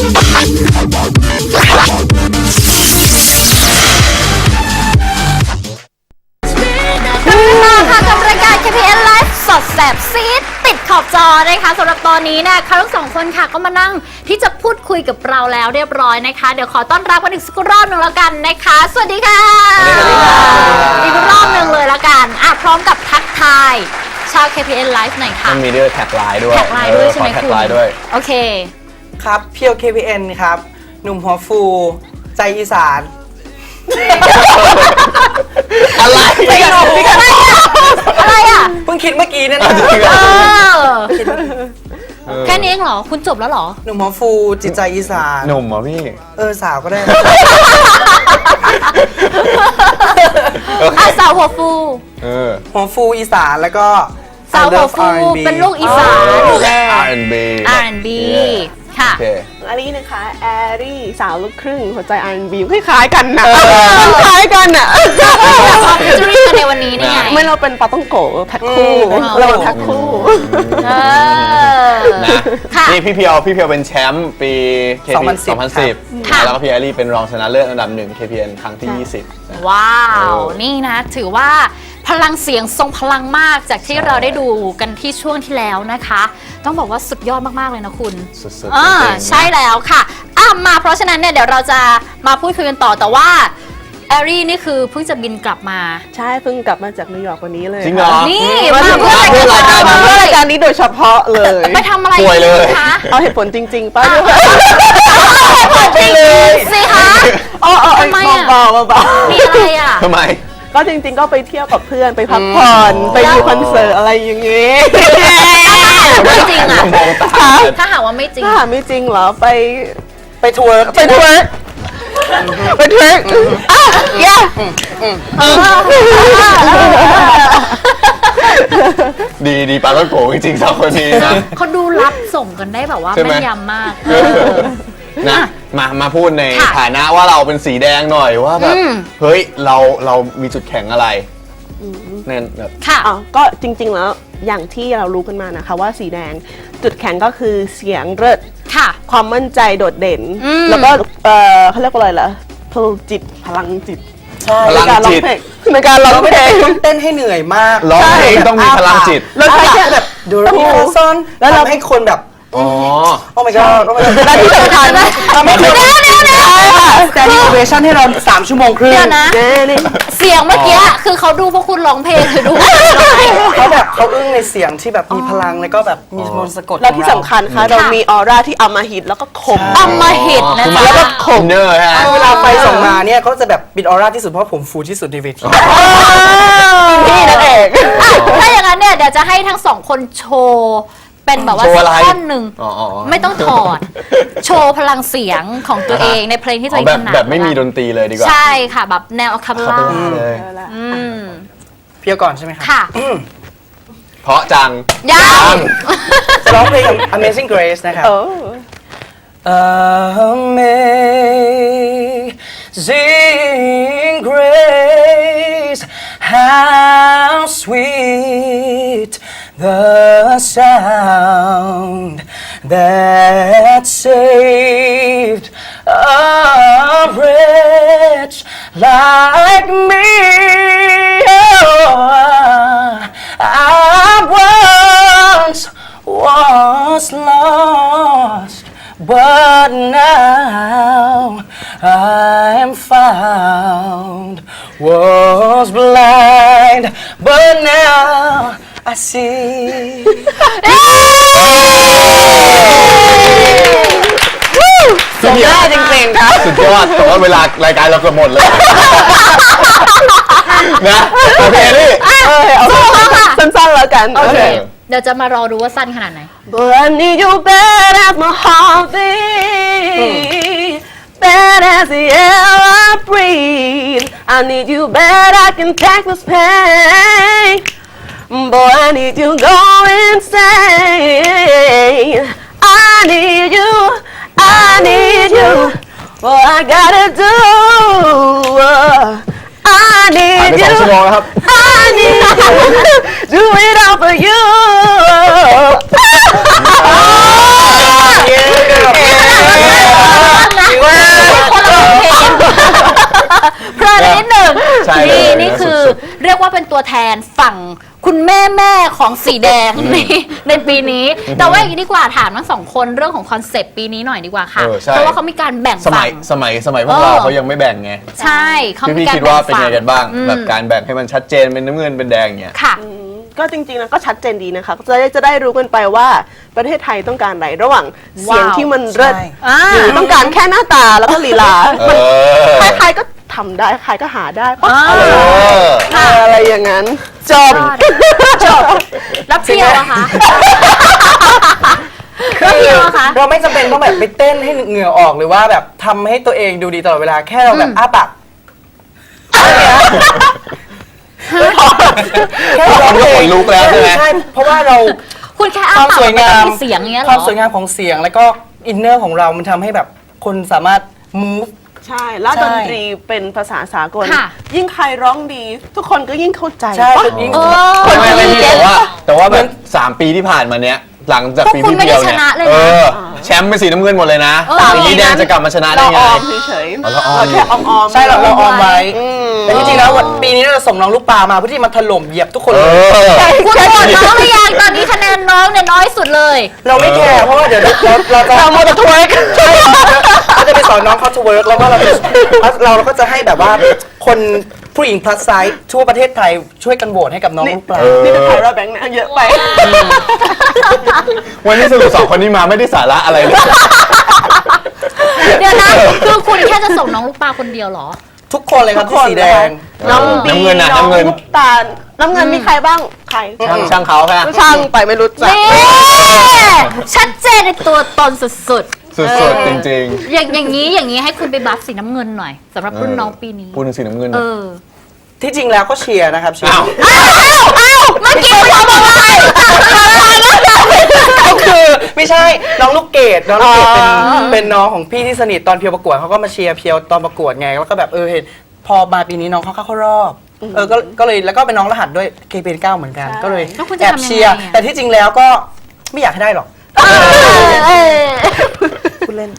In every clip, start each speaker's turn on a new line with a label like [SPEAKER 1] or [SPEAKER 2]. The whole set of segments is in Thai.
[SPEAKER 1] KPN Live สดแสบซีดติดขอบจอนะคะสำหรับตอนนี้เนี่ยเขาทั้งสองคนค่ะก็มานั่งที่จะพูดคุยกับเราแล้วเรียบร้อยนะคะเดี๋ยวขอต้อนรับกันอีกสักรอบหนึ่งแล้วกันนะคะสวัสดีค่ะอีกรอบหนึ่งเลยแล้วกันพร้อมกับทักทายชาว KPN Live หน่อยค่ะ
[SPEAKER 2] มีด้วยแท็กไลน์ด้วย
[SPEAKER 1] แท็กไลน์ด้วยใช่ไหมคุณโอเค
[SPEAKER 3] ครับเพียว KPN ครับหนุ่มหัวฟูใจอีสาน
[SPEAKER 2] อะไร
[SPEAKER 1] อะไรอ่ะ
[SPEAKER 3] เพิ่งคิดเมื่อกี้เนี่ยนะ
[SPEAKER 1] แค่นี้เองเหรอคุณจบแล้วเหรอ
[SPEAKER 3] หนุ่มหัวฟูจิตใจอีสาน
[SPEAKER 2] หนุ่มเหรอพี่
[SPEAKER 3] สาวก็ได้
[SPEAKER 1] สาวหัวฟู
[SPEAKER 3] หัวฟูอีสานแล้วก็
[SPEAKER 1] สาวหัวฟูเป็นลูกอีสาน
[SPEAKER 2] R&B
[SPEAKER 1] ค่ะ
[SPEAKER 4] อันนี้นะคะแอรี่สาวลูกครึ่งหัวใจ R&B คล้ายกันนะคล้ายกันอ่ะ
[SPEAKER 1] จะรีกันในวันนี้นี่ไง
[SPEAKER 4] ไม่เราเป็นปาต้องโกแพ็คคู่เราแพ็คคู่
[SPEAKER 2] นี่พี่เพียวเป็นแชมป์ปี 2010แล้วก็พี่แอรี่เป็นรองชนะเลิศอันดับ1 KPN ครั้งที่20
[SPEAKER 1] ว้าวนี่นะถือว่าพลังเสียงทรงพลังมากจากที่เราได้ดูกันที่ช่วงที่แล้วนะคะต้องบอกว่าสุดยอดมากๆเลยนะคุณ
[SPEAKER 2] สุดๆ
[SPEAKER 1] ใช่แล้วค่ะมาเพราะฉะนั้นเนี่ยเดี๋ยวเราจะมาพูดคุยกันต่อแต่ว่าแอรี่นี่คือเพิ่งจะบินกลับมา
[SPEAKER 4] ใช่เพิ่งกลับมาจากนิวยอร์กวันนี้เลย
[SPEAKER 2] จริงเหรอ
[SPEAKER 1] นี่มาเพื่อราย
[SPEAKER 4] การนี้โดยเฉพาะเลย
[SPEAKER 1] ไปทำอะไร
[SPEAKER 2] คะ
[SPEAKER 4] เอาเหตุผลจริงๆป้า
[SPEAKER 1] เหตุผลจริงสิคะ
[SPEAKER 4] ทำไมเบา
[SPEAKER 1] มีอะไรอ่ะ
[SPEAKER 2] ทำไม
[SPEAKER 4] ก็จริงๆก็ไปเที่ยวกับเพื่อนไปพักผ่อนไปดูคอนเสิร์ตอะไรอย่างงี้
[SPEAKER 1] ไม่จริงอ่ะถ้าหากว่าไม่จริง
[SPEAKER 4] ถ้าหากไม่จริงเหรอ
[SPEAKER 3] ไปทัวร์
[SPEAKER 2] ดีปาต้องโกจริงๆสองคนนี้นะ
[SPEAKER 1] เขาดูรับส่งกันได้แบบว่าแม่นยำมาก
[SPEAKER 2] นะมาพูดในฐานะว่าเราเป็นสีแดงหน่อยว่าแบบเฮ้ยเรามีจุดแข็งอะไรเนี่ยแบบ
[SPEAKER 1] ค่ะ
[SPEAKER 4] ก็จริงๆแล้วอย่างที่เรารู้กันมานะคะว่าสีแดงจุดแข็งก็คือเสียงเลิศ
[SPEAKER 1] ค่ะ
[SPEAKER 4] ความมั่นใจโดดเด่นแล้วก็เขาเรียกว่าอะไรล่ะพลังจิต
[SPEAKER 2] พลังจิต
[SPEAKER 4] ในการร้องเพลง
[SPEAKER 3] ต้องเต้นให้เหนื่อยมาก
[SPEAKER 2] ร้องเพลงต้องมีพลังจิต
[SPEAKER 4] แล้วใช้แค่แบบ
[SPEAKER 3] ดูแล้วมีคนซ้อนแล้วเราให้คนแบบโอ้ my god
[SPEAKER 4] และที่สำคัญ
[SPEAKER 3] ทำให้คนแต่ดีเวชั่นให้เรา3 ชั่วโมงครึ่ง
[SPEAKER 1] นะเสียงเมื่อกี้คือเขาดูพวกคุณร้องเพลงหรือดู
[SPEAKER 3] เขาอึ้งในเสียงที่แบบมีพลังแล้วก็แบบมีมนต์สะกด
[SPEAKER 4] และที่สำคัญค่ะเรามีออร่าที่อำมหิตแล้วก็คม
[SPEAKER 1] อำมหิตนะ
[SPEAKER 4] แล้วก็คม
[SPEAKER 2] เนอร์ฮะ
[SPEAKER 3] เวลาไฟส่องมาเนี่ยเขาจะแบบปิดออร่าที่สุดเพราะผมฟูที่สุดในเวที
[SPEAKER 4] พี่นั่นเอง
[SPEAKER 1] ถ้าอย่างนั้นเนี่ยเดี๋ยวจะให้ทั้งสองคนโชว์เป็นแบบว่าท่อนหนึ่งไม่ต้องถอดโชว์พลังเสียงของตัวเองในเพลงที่ตัวเองถนัด
[SPEAKER 2] แบบไม่มีดนตรีเลยดีกว่า
[SPEAKER 1] ใช่ค่ะแบบแนวอะคาเปลล่า
[SPEAKER 3] เพียวก่อนใช่ไหมคะ
[SPEAKER 1] ค่ะ
[SPEAKER 2] เพราะจัง
[SPEAKER 1] ยัง
[SPEAKER 3] จะร้องเพลง Amazing Grace นะครับ Amazing Grace how sweet the sound that saved a wretch like me. Oh, I once was lost, but now I am found. Was blind, but now I see.
[SPEAKER 4] สุดยอดจริงๆครับ
[SPEAKER 2] สุดยอดแต่ว่าเวลารายการเราเกือบหมดเลยนะโอเคนี่
[SPEAKER 4] สั้นๆแล้วกัน
[SPEAKER 1] โอเคเดี๋ยวจะมารอดูว่าสั้นขนาดไหน
[SPEAKER 4] But I need you bad as my heart beat bad as the air I breathe I need you bad I can take this pain Boy I need you go insane I need you What I gotta do I need you I need you Do it all for you
[SPEAKER 1] ตัวแทนฝั่งคุณแม่ของสีแดงในปีนี้ แต่ว่าอย่างนี้ดีกว่าถามทั้งสองคนเรื่องของคอนเซปต์ปีนี้หน่อยดีกว่าค่ะ
[SPEAKER 2] ใช่
[SPEAKER 1] เพราะว่าเขามีการแบ่ง
[SPEAKER 2] ส
[SPEAKER 1] ฝั่
[SPEAKER 2] มัยพวกเราเขายังไม่แบ่งไง
[SPEAKER 1] ใช่เขามี
[SPEAKER 2] พี่
[SPEAKER 1] การ
[SPEAKER 2] คิด
[SPEAKER 1] แบ่
[SPEAKER 2] ว่าง เป็น
[SPEAKER 1] ฝั่
[SPEAKER 2] ไง
[SPEAKER 1] ง
[SPEAKER 2] กันบ้างแบบการแบ่งให้มันชัดเจนเป็นน้ำเงินเป็นแดงอย่างเงี้ย
[SPEAKER 1] ค่ะ
[SPEAKER 4] ก็จริงๆแล้วก็ชัดเจนดีนะคะจะได้รู้กันไปว่าประเทศไทยต้องการอะไรระหว่างเสียงที่มันเลิศ
[SPEAKER 3] ใช่
[SPEAKER 4] หรือต้องการแค่หน้าตาแล้วก็ลีลา
[SPEAKER 2] เออ
[SPEAKER 4] ใครๆก็ทำได้ใครก็หาได้ปะ
[SPEAKER 1] เออ
[SPEAKER 4] อะไรอย่างนั้นจบ
[SPEAKER 1] จบแล้วเพียวอะคะแล้วเพียวอะคะ
[SPEAKER 3] เราไม่จำเป็นต้องแบบไปเต้นให้เหงื่อออกหรือว่าแบบทำให้ตัวเองดูดีตลอดเวลาแค่เราแบบอ้าปากแค่ร้องเพล
[SPEAKER 2] ข
[SPEAKER 3] ง
[SPEAKER 2] นลุกแล้วใช่ไหม
[SPEAKER 3] ใช่เพราะว่าเรา
[SPEAKER 1] คุณแค่
[SPEAKER 3] ค
[SPEAKER 1] อ้าว
[SPEAKER 3] าม
[SPEAKER 1] ปาก
[SPEAKER 3] สวย
[SPEAKER 1] มัน
[SPEAKER 3] งา
[SPEAKER 1] ต้อ
[SPEAKER 3] ม
[SPEAKER 1] งมีเสียงอย่างเงี้ยเห
[SPEAKER 3] ค
[SPEAKER 1] ร
[SPEAKER 3] วาม
[SPEAKER 1] อ
[SPEAKER 3] สวยงามของเสียงแล้วก็อินเนอร์ของเรามันทำให้แบบคนสามารถ move
[SPEAKER 4] ใช่ แล้ว
[SPEAKER 3] ใช่
[SPEAKER 4] ดนตรีเป็นภาษาสากล
[SPEAKER 1] ค่ะ
[SPEAKER 4] ยิ่งใครร้องดี ทุกคนก็ยิ่งเข้าใจ
[SPEAKER 3] ใช่
[SPEAKER 4] ปะ
[SPEAKER 3] ยิ่ง
[SPEAKER 2] ไม่พี่แต่ว่าแบบ3 ปีที่ผ่านมาเนี้ยหลังจากปีที่เดียวเนี่ย
[SPEAKER 1] พวกคุณไม่ได้ชนะเลยนะ
[SPEAKER 2] แชมป์เป็นสีน้ำเงินหมดเลยนะ
[SPEAKER 1] เออ
[SPEAKER 2] ปีนี้แดงจะกลับมาชนะได้
[SPEAKER 4] เรา
[SPEAKER 2] ไง
[SPEAKER 4] ออมเฉย
[SPEAKER 2] อ๋อเราออม
[SPEAKER 4] เราแค่ออมๆ
[SPEAKER 3] ใช่เราออมไว้
[SPEAKER 4] อืม
[SPEAKER 3] แต่จริงๆแล้วปีนี้เราส่งน้องลูกปลามาเพื่อที่มาถล่มเหยียบทุกคน
[SPEAKER 2] เอ
[SPEAKER 3] เลย
[SPEAKER 2] อ
[SPEAKER 1] คุณโหวตน้องหรือยังตอนนี้คะแนนน้องเนี่ยน้อยสุดเลย
[SPEAKER 3] เราไม่แคร์เพราะว่าเดี๋ยวเราจะ
[SPEAKER 4] เราโมจะทวยกัน
[SPEAKER 3] ใช่เราจะไปสอนน้องเขาทเวิร์กแล้วก็เราก็จะให้แบบว่าคนผู้หญิง plus size ทั่วประเทศไทยช่วยกันโหวตให้กับน้องลูกปลา
[SPEAKER 4] นี่เป็นไพราแบงค์นะเยอะไป
[SPEAKER 2] วันนี้สรุป2 คนนี้มาไม่ได้สาระอะไรเลย
[SPEAKER 1] เดี๋ยวนะคือคุณแค่จะส่งน้องลูกปลาคนเดียวเหรอ
[SPEAKER 3] ทุกคนเลยครับที่สีแดง
[SPEAKER 4] น้องบี
[SPEAKER 2] น้ำเงินน่ะ
[SPEAKER 4] น้อง
[SPEAKER 2] น้ำเงิน
[SPEAKER 4] ลูกตาลน้ำเงินมีใครบ้าง ใคร
[SPEAKER 2] ช่างเขาค่ะ
[SPEAKER 4] ช่างไปไม่รู้จัก
[SPEAKER 1] นี่ชัดเจนในตัวตนสุด
[SPEAKER 2] สุดๆจริง
[SPEAKER 1] ๆ อย่างนี้ให้คุณไปบัฟสีน้ำเงินหน่อยสำหรับ
[SPEAKER 2] ๆ
[SPEAKER 1] รุ่นน้องปีนี้
[SPEAKER 2] พูดถึงสีน้ำเงิน
[SPEAKER 1] เออ
[SPEAKER 3] ที่จริงแล้วก็เชียร์นะครับเชียร์
[SPEAKER 2] อ้าว
[SPEAKER 1] เมื่อกี้คุณทำอะไร
[SPEAKER 3] ก็คือไม่ใช่น้องลูกเกดน้องลูกเกดเป็นน้องของพี่ที่สนิทตอนเพียวประกวดเขาก็มาเชียร์เพียวตอนประกวดไงแล้วก็แบบเห็นพอมาปีนี้น้องเขาเข้ารอบก็เลยแล้วก็เป็นน้องรหัสด้วย KPN9 เหมือนกัน ก็เลย
[SPEAKER 1] แล้วคุณจะ
[SPEAKER 3] แอบ
[SPEAKER 1] ทำยังไง
[SPEAKER 3] เชียร์
[SPEAKER 1] อะ
[SPEAKER 3] แต่ที่จริงแล้วก็ไม่อยากให้ได้หรอก
[SPEAKER 1] เออ
[SPEAKER 3] พูดเล่น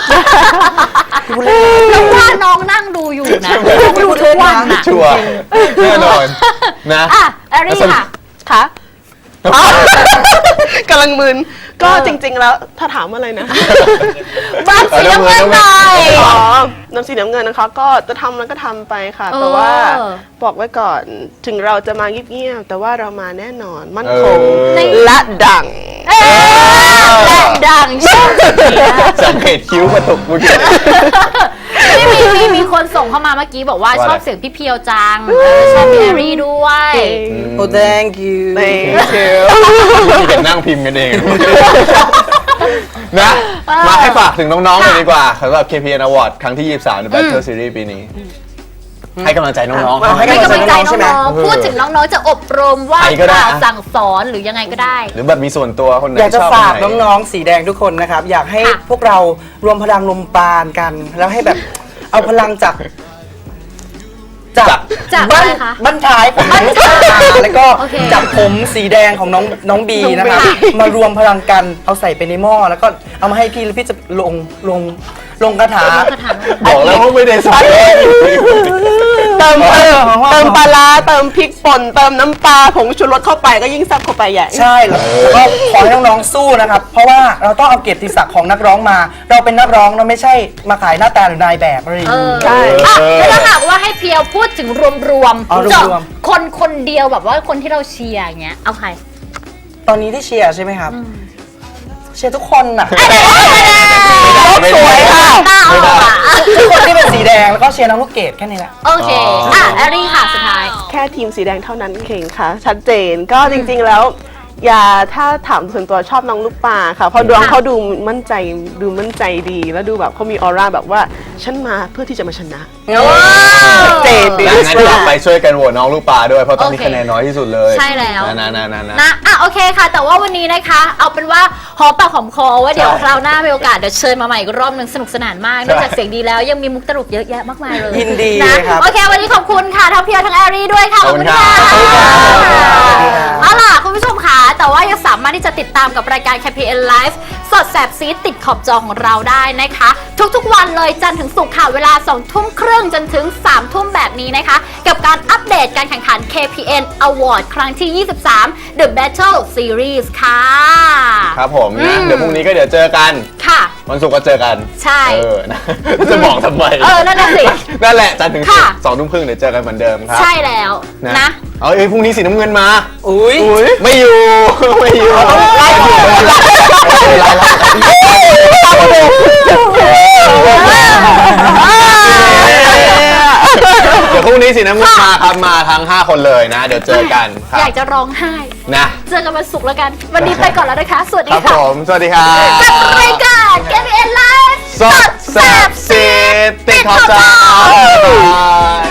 [SPEAKER 1] แล้วว่าน้องนั่งดูอยู่นะดูทุกวันน่ะ
[SPEAKER 2] ชัวร์แน่นอนนะ
[SPEAKER 1] อ่ะแอรี่ค่ะ
[SPEAKER 4] คะกำลังมึนก็จริงๆแล้วถ้าถามอะไรนะ
[SPEAKER 1] บัฟสีน้ำเงินหน่อย
[SPEAKER 4] อ๋อน้ำสีน้ำเงินนะคะ ก็จะทำแล้วก็ทำไปค่ะ แต่ว่าบอกไว้ก่อนถึงเราจะมาเงียบๆแต่ว่าเรามาแน่นอนมั่นคง และดัง
[SPEAKER 1] และดังชอบสุดเลยนะ
[SPEAKER 2] สังเกตคิ้วกระตุกเมื่อกี้
[SPEAKER 1] มีคนส่งเข้ามาเมื่อกี้บอกว่า
[SPEAKER 2] ว่าอะไร
[SPEAKER 1] ชอบเสียงพี่เพียวจังชอบพี่แอรี่ด้วย
[SPEAKER 3] โอ้ thank you
[SPEAKER 4] Thank you
[SPEAKER 2] มีแต่นั่งพิมพ์กันเอง นะ มาให้ฝากถึงน้องๆหน่อยดีกว่าสำหรับ KPN Award ครั้งที่ 23 ใน Battle Series ปีนี้ ให้กำลังใจน้องๆ
[SPEAKER 3] ให้
[SPEAKER 1] ให้กำลังใจ
[SPEAKER 3] ใช่ไหม
[SPEAKER 1] น้องๆพูดถึงน้องๆจะอบรมว่า
[SPEAKER 2] ใครก็ได้
[SPEAKER 1] กล่าวสั่งสอนหรือยังไงก็ได้
[SPEAKER 2] หรือแบบมีส่วนตัวคนไหน
[SPEAKER 3] อยากจะ
[SPEAKER 2] ชอบ
[SPEAKER 3] ฝาก
[SPEAKER 2] คนไหน
[SPEAKER 3] น้องๆสีแดงทุกคนนะครับ อยากให้
[SPEAKER 1] ค่ะ
[SPEAKER 3] พวกเรารวมพลังลมปราณกัน แล้วให้แบบเอาพลังจาก
[SPEAKER 1] จากอะไรคะ
[SPEAKER 3] บ้านท้ายของน้องลูกปลาแล้วก็
[SPEAKER 1] โอเค
[SPEAKER 3] จากผมสีแดงของน้องบีนะครับ
[SPEAKER 1] ค่ะ
[SPEAKER 3] มารวมพลังกันเอาใส่ไปในหม้อแล้วก็เอามาให้พี่แล้วพี่จะลงคาถา
[SPEAKER 1] กระถาง
[SPEAKER 2] บอกแล้วว่าไม่ได้ใส่
[SPEAKER 4] เติมปลาร้าเติมพริกป่นเติมน้ำปลาผงชูรสเข้าไปก็ยิ่งแซ่บเข้าไปใหญ่
[SPEAKER 3] ใช่แล้วก็ขอให้น้องๆสู้นะครับ เพราะว่าเราต้องเอาเกียรติศักดิ์ของนักร้องมา เราเป็นนักร้องเราไม่ใช่มาขายหน้าตาหรือนายแบบอะไรอย่าง
[SPEAKER 1] เอ
[SPEAKER 3] นี้
[SPEAKER 1] อ
[SPEAKER 4] ใช่
[SPEAKER 1] อ่ะแล้วถ้าหากว่าให้เพียวพูดถึงรวม
[SPEAKER 3] อ๋อ
[SPEAKER 1] ๆเจาะ
[SPEAKER 3] รวม
[SPEAKER 1] คนเดียวแบบว่าคนที่เราเชียร์อย่างเงี้ยเอาใคร
[SPEAKER 3] ตอนนี้ที่เชียร์ใช่ไหมครับ เชียร์ทุกคนน่ะ
[SPEAKER 2] ไม่
[SPEAKER 3] ส
[SPEAKER 2] ได้
[SPEAKER 3] วยค่ะ
[SPEAKER 2] ไม่ได้
[SPEAKER 3] ทุกคนที่เป็นสีแดงแล้วก็เชียร์น้องลูกเกดแค่นี้แหละ
[SPEAKER 1] โอเคอ่ะแอรี่ค่ะสุดท้าย
[SPEAKER 4] แค่ทีมสีแดงเท่านั้นเองค่ะ ชัดเจนก็จริงๆแล้ว อย่าถ้าถามส่วนตัวชอบน้องลูกปลาค่ะเพราะดวงเขาดูมั่นใจดีแล้วดูแบบเขามีออร่าแบบว่าฉันมาเพื่อที่จะมาชนะชัดเจนดี
[SPEAKER 2] งั้นเราไปช่วยกันโหวตน้องลูกปลาด้วย เพราะตอนนี้
[SPEAKER 1] โอเค
[SPEAKER 2] คะแนนน้อยที่สุดเลย
[SPEAKER 1] ใช่แล้ว
[SPEAKER 2] นะ
[SPEAKER 1] นะอ่ะโอเคค่ะ แต่ว่าวันนี้นะคะ เอาเป็นว่าหอมปากหอมคอว่าเดี๋ยว
[SPEAKER 2] ใช่
[SPEAKER 1] คราวหน้ามีโอกาสเดี๋ยวเชิญมาใหม่อีกรอบหนึงสนุกสนานมากนอกจากเสียงดีแล้วยังมีมุกตลกเยอะแยะมากมายเลย
[SPEAKER 3] ยินดี
[SPEAKER 1] นะ
[SPEAKER 3] เลยครับ
[SPEAKER 1] โอเค วันนี้ขอบคุณค่ะทั้งเพียวทั้งแอรี่ด้วยค่ะ
[SPEAKER 2] ขอบคุณครับ
[SPEAKER 1] ขอบคุณค่ะ
[SPEAKER 3] ขอบคุณครับ
[SPEAKER 1] เอาล่ะคุณผู้ชมค่ะแต่ว่ายังสามารถที่จะติดตามกับรายการ KPN Live สสดแสบซีดติดขอบจอของเราได้นะคะ ทุกๆวันเลยจันทร์ถึงศุกร์ค่ะเวลา 20:30 จนถึง 3 ทุ่มแบบนี้นะคะ กับการอัปเดตการแข่งขัน KPN Award ครั้งที่ 23 The Battle Series ค่ะ
[SPEAKER 2] ครับผมนะเดี๋ยวพรุ่งนี้ก็เดี๋ยวเจอกัน
[SPEAKER 1] ค่ะ
[SPEAKER 2] วันศุกร์ก็เจอกัน
[SPEAKER 1] ใช่
[SPEAKER 2] นะจะบอกทำไม
[SPEAKER 1] นั่นน่ะสิ
[SPEAKER 2] นั่นแหละจันทร์ถึงศุก
[SPEAKER 1] ค่ะ
[SPEAKER 2] ร์2 ทุ่มครึ่งเดี๋ยวเจอกันเหมือนเดิมครับ
[SPEAKER 1] ใช่แล้วนะ
[SPEAKER 2] เอาพรุ่งนี้สีน้ำเงินมา
[SPEAKER 3] อุ้ย
[SPEAKER 2] ไม่อยู่ ไม่อยู่ไล่อยู่เดี๋ยวพรุ่งนี้สีน้ำเงินมาครับมาทั้ง 5 คนเลยนะ เดี๋ยวเจอกันครับ
[SPEAKER 1] อยากจะร้องไห้
[SPEAKER 2] นะ
[SPEAKER 1] เจอกันวันศุกร์แล้วกัน วันนี้ไปก่อนแล้วนะคะ สวัสดี
[SPEAKER 2] ครับผ
[SPEAKER 1] ค่ะ
[SPEAKER 2] ม สวัสดีครับ
[SPEAKER 1] กับรายการ KPN Live
[SPEAKER 2] สดแซ่บซีดติดขอบจอ